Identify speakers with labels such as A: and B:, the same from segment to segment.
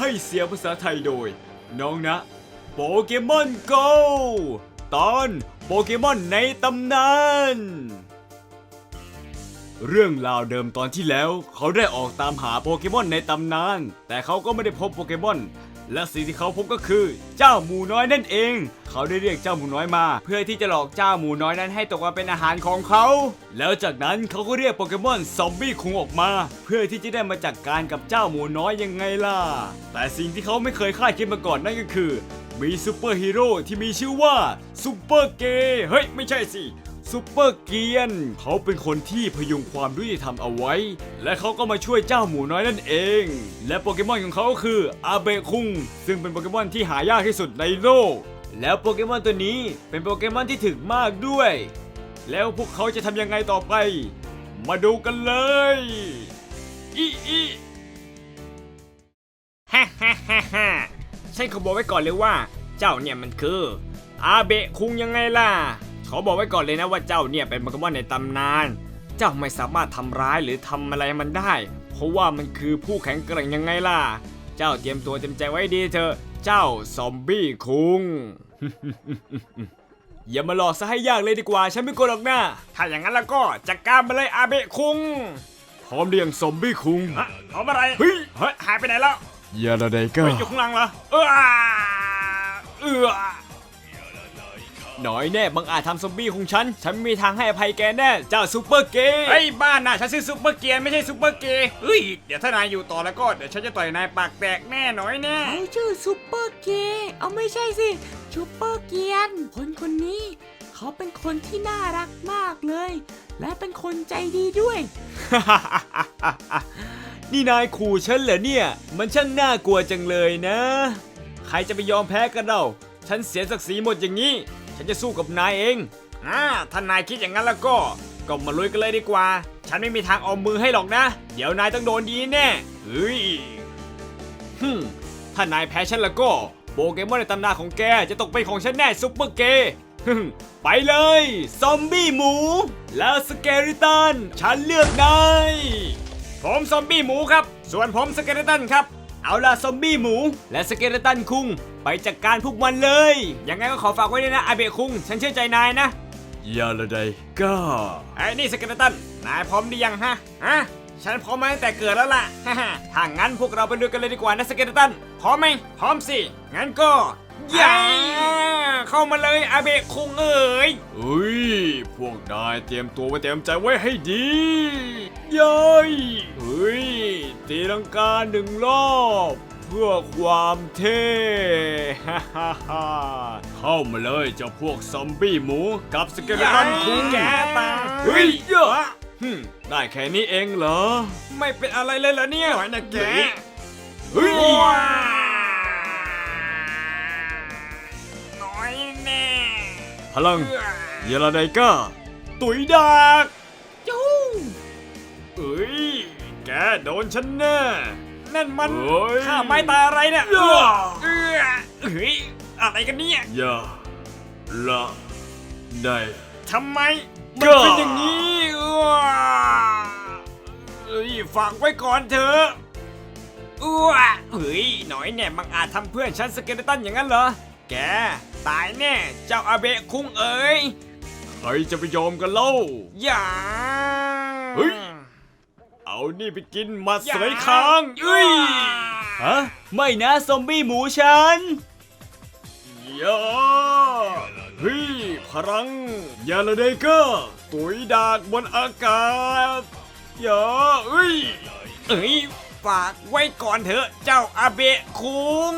A: ให้เสียงภาษาไทยโดยน้องนะโปเกมอนโกตอนโปเกมอนในตำนานเรื่องราวเดิมตอนที่แล้วเขาได้ออกตามหาโปเกมอนในตำนานแต่เขาก็ไม่ได้พบโปเกมอนและสิ่งที่เขาพบก็คือเจ้าหมูน้อยนั่นเองเขาได้เรียกเจ้าหมูน้อยมาเพื่อที่จะหลอกเจ้าหมูน้อยนั้นให้ตกมาเป็นอาหารของเขาแล้วจากนั้นเขาก็เรียกโปเกมอนซอมบี้คุงออกมาเพื่อที่จะได้มาจัดการกับเจ้าหมูน้อยยังไงล่ะแต่สิ่งที่เขาไม่เคยคาดคิดมาก่อนนั่นก็คือมีซูเปอร์ฮีโร่ที่มีชื่อว่าซูเปอร์เกย์เฮ้ยไม่ใช่สิซูเปอร์เกียนเขาเป็นคนที่พยุงความยุติธรรมเอาไว้และเขาก็มาช่วยเจ้าหมูน้อยนั่นเองและโปเกมอนของเขาก็คืออาเบะคุงซึ่งเป็นโปเกมอนที่หายากที่สุดในโลกแล้วโปเกมอนตัวนี้เป็นโปเกมอนที่ถึกมากด้วยแล้วพวกเขาจะทำยังไงต่อไปมาดูกันเลยอี
B: ฮ่าฮ่าฮ่าฮ่าฉันขอบอกไว้ก่อนเลยว่าเจ้าเนี่ยมันคืออาเบะคุงยังไงล่ะขอบอกไว้ก่อนเลยนะว่าเจ้าเนี่ยเป็นโปเกมอนในตำนานเจ้าไม่สามารถทำร้ายหรือทำอะไรมันได้เพราะว่ามันคือผู้แข็งแกร่งยังไงล่ะเจ้าเตรียมตัวเตรียมใจไว้ดีเถอะเจ้าซอมบี้คุง
A: อย่ามาหลอกซะให้ยากเลยดีกว่าฉันไม่กลัวหรอกนะ
B: ถ้าอย่างนั้นแล้วก็จัดการมาเลยอาเบะคุง
A: พร้อมเรียงซอมบี้คุง
B: พร้อมอะไร
A: เฮ้ย
B: หายไปไหนแล้ว
A: อย่าละใดก็
B: อยู่ข้างหลังเหรอ
A: หน่อยแน่บังอาจทำซอมบี้ของฉันไม่มีทางให้อภัยแกแน่เจ้าซูเปอร์เกย์
B: เฮ้ยบ้านน่ะฉันซื้อซูเปอร์เกียร์ไม่ใช่ซูเปอร์เกย์เฮ้ยเดี๋ยวถ้านายอยู่ต่อแล้วก็เดี๋ยวฉันจะต่อยนายปากแตกแน่หน่อยแน่
C: เขาชื่อซูเปอร์เกย์เอาไม่ใช่สิซูเปอร์เกียนคนนี้เขาเป็นคนที่น่ารักมากเลยและเป็นคนใจดีด้วย
A: นี่นายขู่ฉันเหรอเนี่ยมันช่างน่ากลัวจังเลยนะใครจะไปยอมแพ้กันเราฉันเสียศักดิ์ศรีหมดอย่างนี้ฉันจะสู้กับนายเอง
B: ถ้านายคิดอย่างนั้นแล้วก็มาลุยกันเลยดีกว่าฉันไม่มีทางเอามือให้หรอกนะเดี๋ยวนายต้องโดนดีแน่เฮ้ย
A: ถ้านายแพ้ฉันแล้วก็โปเกมอนในตำนานของแกจะตกเป็นของฉันแน่ซุปเปอร์เกย์ไปเลยซอมบี้หมูแล้วสเกลิตันฉันเลือกนาย
B: ผมซอมบี้หมูครับส่วนผมสเกเลตันครับ
A: เอาล่ะซอมบี้หมูและสเกเลตันคุงไปจัดการพวกมันเลย
B: ยังไงก็ขอฝากไว้ด้วยนะอาเบะคุงฉันเชื่อใจนายนะ
A: อย่าละใดก็
B: ไอ้นี่สเกเลตันนายพร้อมหรือยังฮะฉันพร้อมมาตั้งแต่เกิดแล้วล่ะถ้างั้นพวกเราไปดูกันเลยดีกว่านะสเกเลตันพร้อมไหมพร้อมสิงั้นก็ย่าเข้ามาเลยอาเบะคุงเอ๋ย
A: พวกนายเตรียมตัวไว้เตรียมใจไว้ให้ดีย้อยตีลังกา1 รอบเพื่อความเท่เข้ามาเลยเจ้าพวกซอมบี้หมูกับสเกเลตันคุง
B: แกตา
A: เยอะได้แค่นี้เองเหรอ
B: ไม่เป็นอะไรเลยเหรอเนี่ยหน่อยนะแก
A: พลังเยลาไดก้าตุ๋ยดัก
B: จู้
A: แกโดนฉันแน่
B: นั่นมันข้าไม้ตาอะไรเนี่ยอะไรกันเนี่ย
A: อย่าละได้
B: ทำไมมันเป็นอย่างนี้ฝากไว้ก่อนเถอะหน่อยเนี่ยบังอาจทำเพื่อนฉันสเกเลตันอย่างนั้นเหรอแกตายแน่เจ้าอาเบะคุงเอ๋ย
A: ใครจะไปยอมกันเล่า
B: อย่า
A: เอานี่ไปกินมาเสยคางไม่นะซอมบี้หมูฉันอย่าพลังยาละเดเกอร์ตุ๋ยดากบนอากาศอย่า
B: ฝากไว้ก่อนเถอะเจ้าอาเบะคุง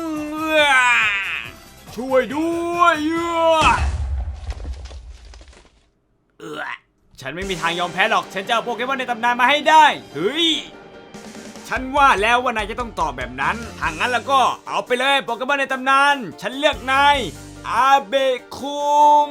A: ช่วยด้วย
B: ฉันไม่มีทางยอมแพ้หรอกฉันจะเอาโปเกมอนในตำนานมาให้ได้ฉันว่าแล้วว่านายจะต้องตอบแบบนั้นถ้างั้นแล้วก็เอาไปเลยโปเกมอนในตำนานฉันเลือกนายอาเบะคุง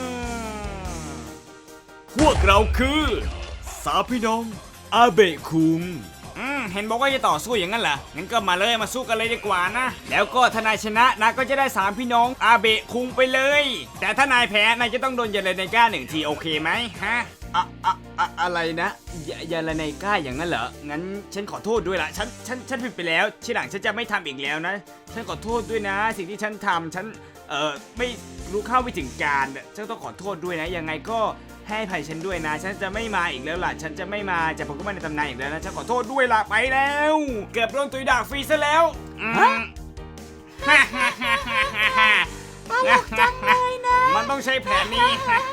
A: พวกเราคือ3 พี่น้องอาเบะคุง
B: เห็นบอกว่าจะต่อสู้อย่างนั้นเหรองั้นก็มาเลยมาสู้กันเลยดีกว่านะแล้วก็ถ้านายชนะนายก็จะได้3 พี่น้องอาเบะคุงไปเลยแต่ถ้านายแพ้นายจะต้องโดนเยลเลนก้า1 ทีโอเคไหมฮะ
A: อะไรนะยาละไนก้าอย่างนั้นเหรอ งั้นฉันขอโทษด้วยละฉันผิดไปแล้ว ทีหลังฉันจะไม่ทำอีกแล้วนะ ฉันขอโทษด้วยนะ สิ่งที่ฉันทำฉันไม่รู้เข้าไม่ถึงการฉันต้องขอโทษด้วยนะ ยังไงก็ให้อภัยฉันด้วยนะ ฉันจะไม่มาอีกแล้วล่ะ ฉันจะไม่มาจากโปเกมอนในตำนานอีกแล้วนะ ฉันขอโทษด้วยล่ะไปแล้ว เกือบโดนตุยดากฟรีซะแล้วฮ่าฮ่าฮ่าฮ่าฮ่า
C: ตลกจังเลยนะ
A: มันต้องใช้แผนนี้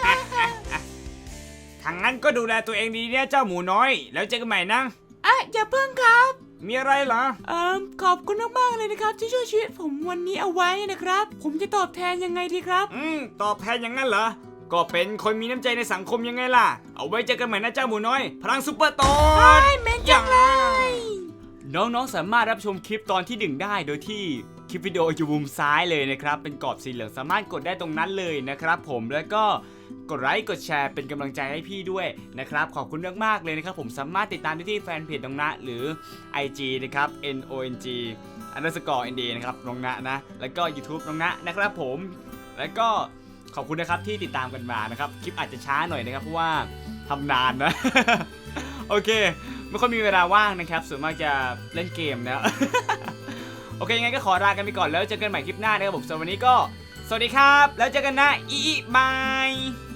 A: ทางนั้นก็ดูแลตัวเองดีเนี่ยเจ้าหมูน้อย แล้วเจอกันใหม่นะ
C: อย่าเพิ่งครับ
A: มีอะไรเหรอ
C: ขอบคุณมากๆเลยนะครับที่ช่วยชีวิตผมวันนี้เอาไว้นะครับ ผมจะตอบแทนยังไงดีครับ
A: ตอบแทนอย่างนั้นเหรอ ก็เป็นคนมีน้ำใจในสังคมยังไงล่ะ เอาไว้เจอกันใหม่นะเจ้าหมูน้อย พลังซุปเปอร์โตน
C: เมนจังเลย
A: น้องๆสามารถรับชมคลิปตอนที่1ได้โดยที่คลิปวิดีโออยู่มุมซ้ายเลยนะครับ เป็นกรอบสีเหลืองสามารถกดได้ตรงนั้นเลยนะครับผม แล้วก็กดไลค์กดแชร์เป็นกำลังใจให้พี่ด้วยนะครับ ขอบคุณมากๆเลยนะครับผมสามารถติดตามได้ที่แฟนเพจน้องนะหรือ IG นะครับ NONG_ND นะครับน้องนะนะ แล้วก็ YouTube น้องนะนะครับผม แล้วก็ขอบคุณนะครับที่ติดตามกันมานะครับ คลิปอาจจะช้าหน่อยนะครับเพราะว่าทำนานนะ โอเคไม่ค่อยมีเวลาว่างนะครับส่วนมากจะเล่นเกมนะ โอเคยังไงก็ขอลากันไปก่อนแล้วเจอกันใหม่คลิปหน้านะครับผมสำหรับวันนี้ก็สวัสดีครับแล้วเจอกันนะบาย